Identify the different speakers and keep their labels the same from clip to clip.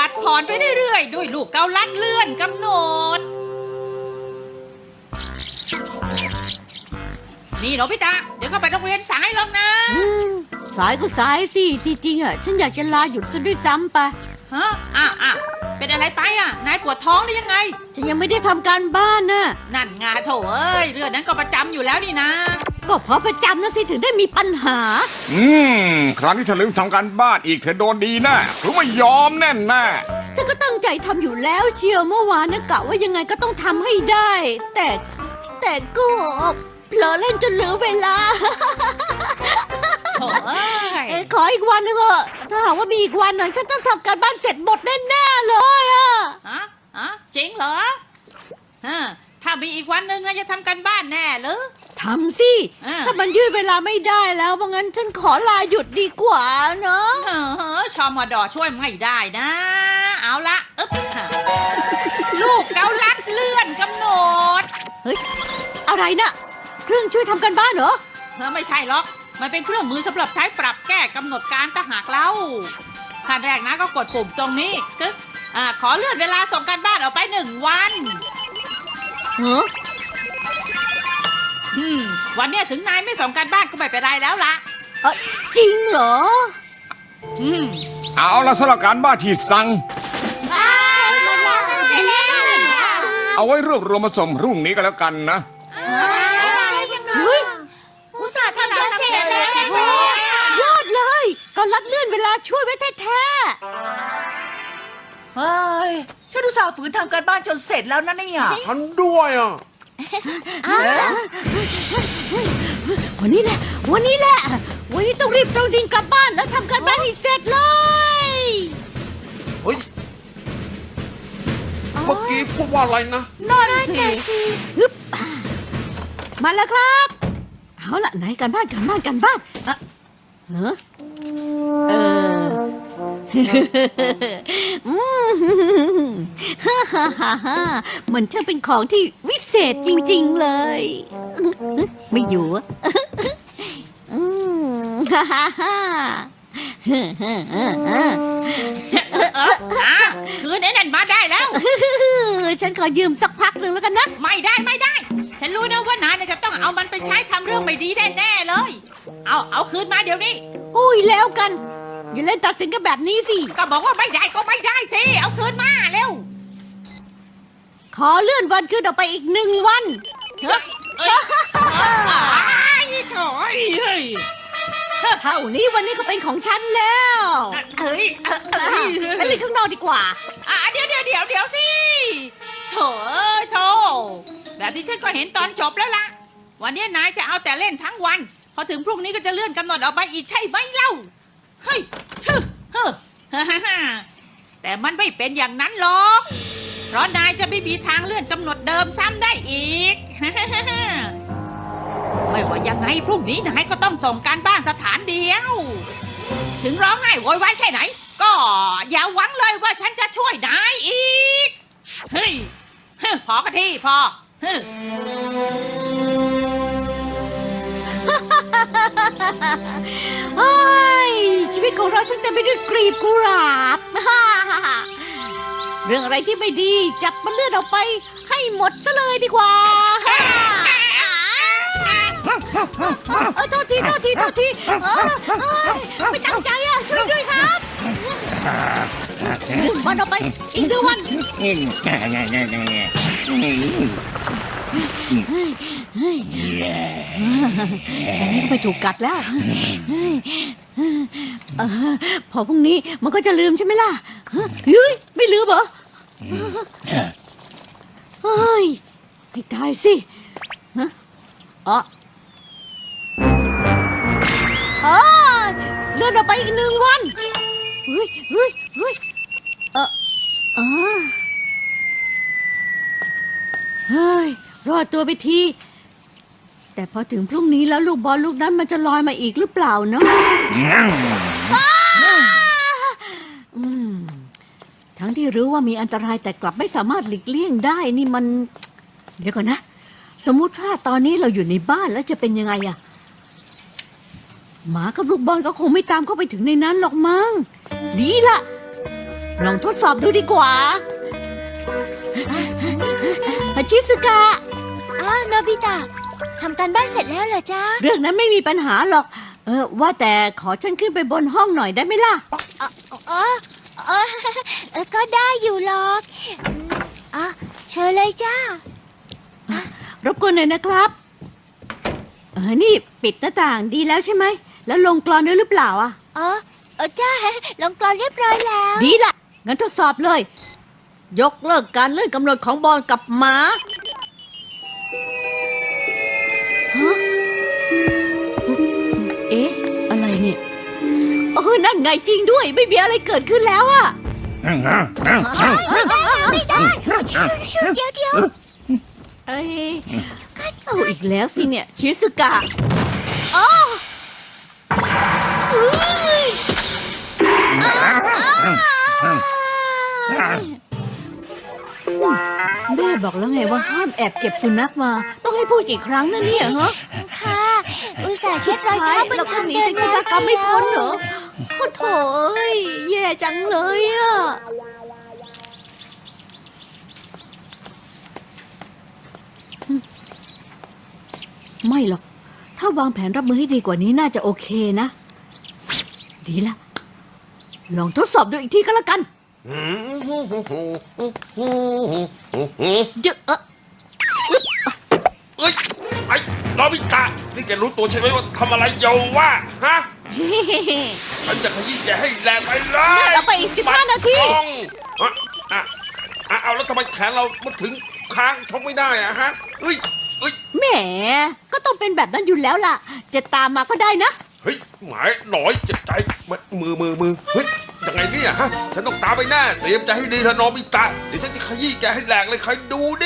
Speaker 1: ดผ่อนไปเรื่อยๆด้วยลูกเกาลัดเลื่อนกำหนดนี่โนบิตะเดี๋ยวเข้าไปโรงเรียนสายหรอกนะ
Speaker 2: สายก็สายสิที่จริงอ่ะฉันอยากจะลาหยุดซะด้วยซ้ำไป
Speaker 1: ฮะอ้าวเป็นอะไรไปอ่ะนายปวดท้องหรือยังไง
Speaker 2: ฉันยังไม่ได้ทำการบ้านน่ะ
Speaker 1: นั่นไงโถเอ้ยเรื่องนั้นก็ประจำอยู่แล้วนี่นะ
Speaker 2: ก็เพราะประจำนะสิถึงได้มีปัญหา
Speaker 3: ครั้งที่เธอลืมทำการบ้านอีกเธอโดนดีแน่หรือไม่ยอมแน่แน่
Speaker 2: ฉันก็ตั้งใจทำอยู่แล้วเชียวเมื่อวานนะกะว่ายังไงก็ต้องทำให้ได้ แต่ก็เผลอเล่นจนเหลือเวลา
Speaker 1: โถเอ้ย
Speaker 2: ขออีกวันนึงเถอะถ้าหากว่ามีอีกวันหน่อยฉันต้องทำการบ้านเสร็จหมดแน่ๆเลยอ่ะ
Speaker 1: จริงเหรอถ้ามีอีกวันหนึ่งนะจะทำกันบ้านแน่หรือ
Speaker 2: ทำสิ ถ้ามันยืดเวลาไม่ได้แล้วเพราะงั้นฉันขอลาหยุดดีกว่าเนาะ
Speaker 1: ชอมอดอช่วยไม่ได้นะ เอาละลูกเกาลัดเลื่อนกำหนด
Speaker 2: เฮ้ยอะไรนะเครื่องช่วยทำการบ้านเหรอ
Speaker 1: ไม่ใช่หรอกมันเป็นเครื่องมือสำหรับใช้ปรับแก้กำหนดการถ้าหากเราขั้นแรกนะก็กดปุ่มตรงนี้กึ๊กขอเลื่อนเวลาส่งการบ้านออกไป1 วันวันเนี้ยถึงนายไม่ส่งการบ้านก็ไม่เป็นไรแล้วล่ะ
Speaker 2: จริงเหรอ
Speaker 3: เอาละสำหรับการบ้านที่สั่งเอาไว้รวบรวมมาส่งพรุ่งนี้ก็แล้วกันนะ
Speaker 2: เฮ้ย
Speaker 1: อุตส่าห์ทำจะเสร็จแล้ว
Speaker 2: ยอดเลยก็ลัดเลื่อนเวลาช่วยไว้แท้
Speaker 4: เฮ้ยฉันอุตส่าห์ฝืนทำการบ้านจนเสร็จแล้วนะเนี่ย
Speaker 5: ฉันด้วยอ่ะ
Speaker 2: ๆวันนี้แหละวันนี้ต้องรีบตรงดิ่งกลับบ้านแล้วทำการบ้านให้เสร็จเลย
Speaker 5: เฮ้ย เมื่อกี้พูดว่าอะไรนะ
Speaker 4: นั่นสิ
Speaker 2: ฮึบมาแล้วครับเอาล่ะไหนการบ้านเหรอฮ่าฮ่าฮ่าฮ่ามันช่างเป็นของที่วิเศษจริงๆเลยไม่อยู่อะฮ่าฮ่าฮ่า
Speaker 1: คืนไอ้นั่นมาได้แล้ว
Speaker 2: ฉันขอยืมสักพักหนึ่งแล้วกันนะ
Speaker 1: ไม่ได้ ฉันรู้นะว่านายจะต้องเอามันไปใช้ทำเรื่องไม่ดีแน่ๆเลย เอาคืนมาเดี๋ยวนี้
Speaker 2: อุ้ยแล้วกัน อย่าเล่นตัดสินกันแบบนี้สิ
Speaker 1: ก็บอกว่าไม่ได้ก็ไม่ได้สิ เอาคืนมาเร็ว
Speaker 2: ขอเลื่อนวันขึ้นออกไปอีก1 วัน
Speaker 1: ถอยเฮ้ย
Speaker 2: เท่านี้วันนี้ก็เป็นของฉันแล้ว
Speaker 1: เฮ้ย
Speaker 2: ไปเล่นข้างนอกดีกว่า
Speaker 1: เดี๋ยวสิโถแบบที่ฉันก็เห็นตอนจบแล้วล่ะ วันนี้นายจะเอาแต่เล่นทั้งวัน พอถึงพรุ่งนี้ก็จะเลื่อนกำหนดออกไปอีกใช่ไหมเล่า เฮ้ยแต่มันไม่เป็นอย่างนั้นหรอก เพราะนายจะไม่มีทางเลื่อนกำหนดเดิมซ้ำได้อีก ไม่ว่ายังไงพรุ่งนี้นายก็ต้องส่งการบ้านสถานเดียว ถึงร้องไห้โวยวายแค่ไหน ก็อย่าหวังเลยว่าฉันจะช่วยนายอีก เฮ้ยพอกันทีพอ
Speaker 2: เฮ้ยชีวิตของเราฉันจะไม่ด้วยกลีบกุหลาบ เรื่องอะไรที่ไม่ดีจับมันเลื่อนออกไปให้หมดซะเลยดีกว่าโทษทีไม่ตั้งใจอ่ะช่วยด้วยครับวันออกไปอีก1 วันอันนี้ก็ไม่ถูกกัดแล้วพอพรุ่งนี้มันก็จะลืมใช่ไหมล่ะเฮ้ยไม่ลืมเหรอเฮ้ยไม่ได้สิเลื่อนออกไปอีก1 วันเฮ้ยเฮ้ยรอดตัวไปทีแต่พอถึงพรุ่งนี้แล้วลูกบอลลูกนั้นมันจะลอยมาอีกหรือเปล่าเนาะทั้งที่รู้ว่ามีอันตรายแต่กลับไม่สามารถหลีกเลี่ยงได้นี่มันเดี๋ยวก่อนนะสมมุติว่าตอนนี้เราอยู่ในบ้านแล้วจะเป็นยังไงอะหมากับลูกบอลก็คงไม่ตามเข้าไปถึงในนั้นหรอกมั้งดีละลองทดสอบดูดีกว่าชิซึกะ
Speaker 6: โนบิตะทำการบ้านเสร็จแล้วเหรอจ๊ะ
Speaker 2: เรื่องนั้นไม่มีปัญหาหรอก ว่าแต่ขอฉันขึ้นไปบนห้องหน่อยได้ไหมล่ะ
Speaker 6: เออก็ได้อยู่หรอกเชิญเลยจ้าร
Speaker 2: บกวนหน่อยนะครับ นี่ปิดหน้าต่างดีแล้วใช่ไหม แล้วลงกลอนด้วยหรือเปล่าอ่ะ
Speaker 6: จ้าลงกรอนเรียบร้อยแล้ว
Speaker 2: ดีละงั้นทดสอบเลย ยกเลิกการเลื่อนกำหนดของบอลกับหมาฮะเอ๊ะ อะไรเนี่ยนั่นไงจริงด้วย ไม่มีอะไรเกิดขึ้นแล้วอะ
Speaker 6: ไม่ได้ชุดเดี๋ยว
Speaker 2: เอ้ยเอาอีกแล้วสิเนี่ย ชิซึกะแม่บอกแล้วไงว่าห้ามแอบเก็บสุนัขมา ต้องให้พูดกี่ครั้งนะเนี่ยฮะ
Speaker 6: ค่ะอุตส่าห์เช็ดรอยเท้าบน
Speaker 2: เราก็
Speaker 6: ทาง
Speaker 2: หนี
Speaker 6: เดิน
Speaker 2: จากชะตากรรมไม่พ้นเหรอโอ้โถเอ้ยแย่จังเลยอะไม่หรอก ถ้าวางแผนรับมือให้ดีกว่านี้น่าจะโอเคนะ ดีละ ลองทดสอบดูอีกทีก็แล้วกันเยอะ
Speaker 5: เอ้ยไอ้โนบิตะนี่แกรู้ตัวใช่ไหมว่าทำอะไรอยู่วะฮะ ฉันจะขยี้แกให้แรงไปเลย
Speaker 2: เอาไปอีก15 นาที
Speaker 5: เอาแล้วทำไมแขนเรามันถึงค้างชกไม่ได้อะฮะเอ้ย
Speaker 2: แหม ก็ต้องเป็นแบบนั้นอยู่แล้วล่ะ จะตามมาก็ได้นะ
Speaker 5: เฮ้ยหมายหน่อยเจ็บใจมือเฮ้ยยังไงเนี่ยฮะฉันต้องตามไปแน่เตรียมใจให้ดีเถอะโนบิตะเดี๋ยวฉันจะขยี้แกให้แหลกเลยใครดูดิ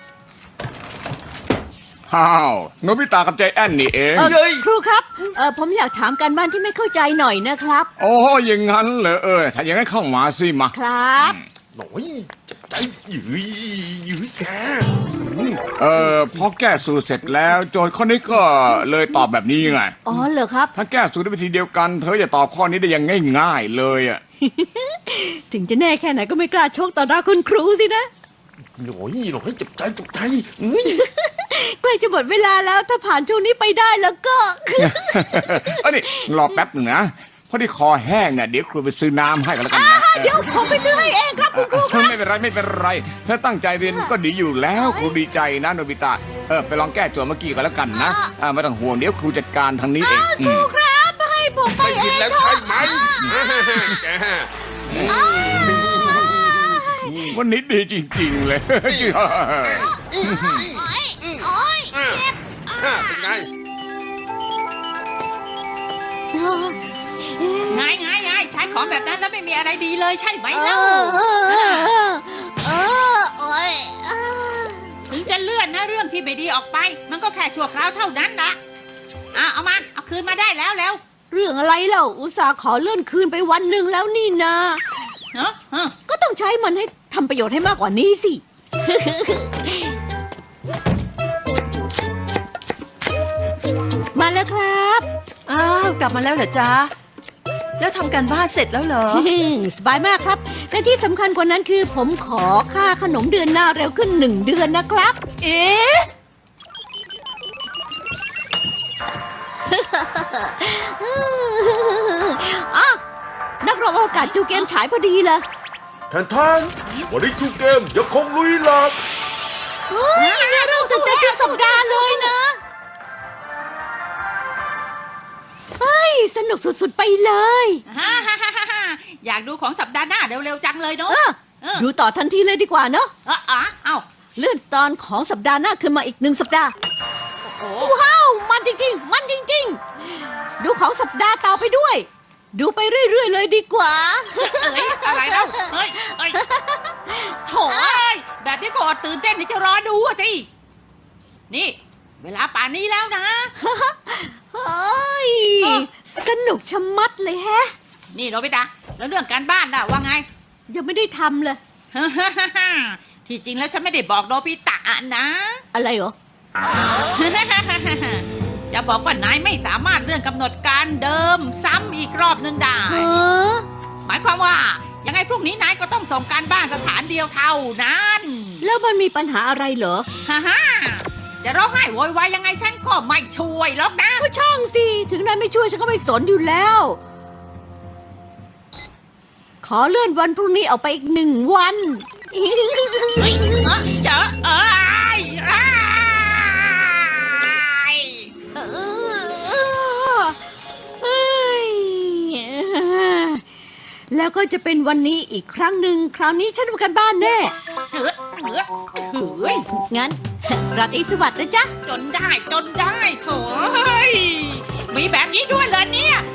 Speaker 3: อ้าวโนบิตะกับใจแอนนี่เอง
Speaker 2: ครูครับ ผมอยากถามการบ้านที่ไม่เข้าใจหน่อยนะครับ
Speaker 3: โอ้อย่างงั้นเหรอถ้าอย่างนั้นเข้ามาสิมา
Speaker 2: ครับ
Speaker 5: หน่อยเจ็บใจยื้อแก
Speaker 3: พอแก้สูตรเสร็จแล้วโจทย์ข้อนี้ก็เลยตอบแบบนี้ไง
Speaker 2: อ๋อเหรอครับ
Speaker 3: ถ้าแก้สูตรด้วยวิธีเดียวกัน เธอจะตอบข้อนี้ได้อย่างง่ายๆเลยอ่ะ
Speaker 2: ถึงจะแน่แค่ไหนก็ไม่กล้าชกต่อหน้าคุณครูสินะ
Speaker 5: หน่อยเจ็บใจ
Speaker 2: ใกล้จะหมดเวลาแล้วถ้าผ่านช่วงนี้ไปได้แล้วก็
Speaker 3: นี่รอแป๊บหนึ่งนะพอดีคอแห้งเนี่ยเดี๋ยวครูไปซื้อน้ำให้กันแล้วกันนะ
Speaker 2: เดี๋ยวผมไปซื้อให้เองครับคุณครูครับ
Speaker 3: ไม่เป็นไรเธอตั้งใจเรียนก็ดีอยู่แล้วครูดีใจนะโนบิตะไปลองแก้โจทย์เมื่อกี้กันแล้วกันนะไม่ต้องห่วงเดี๋ยวครูจัดการทางนี้เอง
Speaker 2: ครูครับให้ผมไป
Speaker 5: ได้
Speaker 2: เอ
Speaker 5: ยิน
Speaker 2: ง
Speaker 5: แล้ว
Speaker 2: เถ
Speaker 5: ใช่
Speaker 2: อะ
Speaker 5: ไหมแก
Speaker 3: วันนี้ดีจริงๆเลย
Speaker 5: เป็นไง
Speaker 1: ไงใช้ของแบบนั้นแล้วไม่มีอะไรดีเลยใช่ไหมเล่าถึงจะเลื่อนนะเรื่องที่ไม่ดีออกไป มันก็แค่ชั่วคราวเท่านั้นนะเอามาเอาคืนมาได้แล้ว
Speaker 2: เรื่องอะไรเล่าอุตส่าห์ขอเลื่อนคืนไปวันหนึ่งแล้วนี่นะ ก็ต้องใช้มันให้ทำประโยชน์ให้มากกว่านี้สิ มาแล้วครับ
Speaker 4: อ้าวกลับมาแล้วเหรอจ๊ะแล้วทำการบ้านเสร็จแล้วเหรอ
Speaker 2: สบายมากครับและที่สำคัญกว่านั้นคือผมขอค่าขนมเดือนหน้าเร็วขึ้น1 เดือนนะครับ
Speaker 4: เอ๊ะ
Speaker 2: นักรบอวกาศจูเกมฉายพอดีเลย
Speaker 5: ท่านวันนี้ทุกเกมยังคงลุยหลับ
Speaker 2: น่ารู้สึกแต่ทุกสัปดาห์เลยนะ เฮ้ย สนุกสุดๆไปเลย
Speaker 1: อยากดูของสัปดาห์หน้าเร็วๆจังเลยเนาะ
Speaker 2: ดูต่อทันทีเลยดีกว่าเนาะ
Speaker 1: เอา
Speaker 2: เลื่อนตอนของสัปดาห์หน้าขึ้นมาอีก1 สัปดาห์
Speaker 1: โอ้
Speaker 2: ว้าว มันจริงๆ มันจริงๆ ดูของสัปดาห์ต่อไปด้วย ดูไปเรื่อยๆเลยดีกว่า
Speaker 1: อะไรแล้วเฮ้ยโถ่แบบที่โคตรตื่นเต้นที่จะรอดูอ่ะสินี่ เวลาป่านนี้แล้วนะ
Speaker 2: เฮ้ย สนุกชะมัดเลยแฮะ
Speaker 1: นี่โนบิตะแล้วเรื่องการบ้านล่ะว่าไง
Speaker 2: ยังไม่ได้ทำเลย
Speaker 1: ที่จริงแล้วฉันไม่ได้บอกโนบิตะนะ
Speaker 2: อะไรเหรอ
Speaker 1: จะบอกว่านายไม่สามารถเลื่อนกำหนดการเดิมซ้ำอีกรอบหนึ่งได้ หมายความว่ายังไงพรุ่งนี้นายก็ต้องส่งการบ้านสถานเดียวเท่านั้น
Speaker 2: แล้วมันมีปัญหาอะไรเหรอ
Speaker 1: ฮ่าฮ่าจะร้องไห้โวยวายยังไงฉันก็ไม่ช่วยหรอกนะ
Speaker 2: ก็ช่างสิ ถึงนายไม่ช่วยฉันก็ไม่สนอยู่แล้ว ขอเลื่อนวันพรุ่งนี้ออกไปอีก1 วัน
Speaker 1: เฮ้ยเจออ้าย
Speaker 2: เอ้ยแล้วก็จะเป็นวันนี้อีกครั้งหนึ่ง คราวนี้ฉันทำการบ้านแน่
Speaker 1: เฮ้ย
Speaker 2: งั้น ราตรีสวัสดิ์นะจ๊ะ
Speaker 1: จนได้โถเฮ้ยมีแบบนี้ด้วยเลยเนี่ย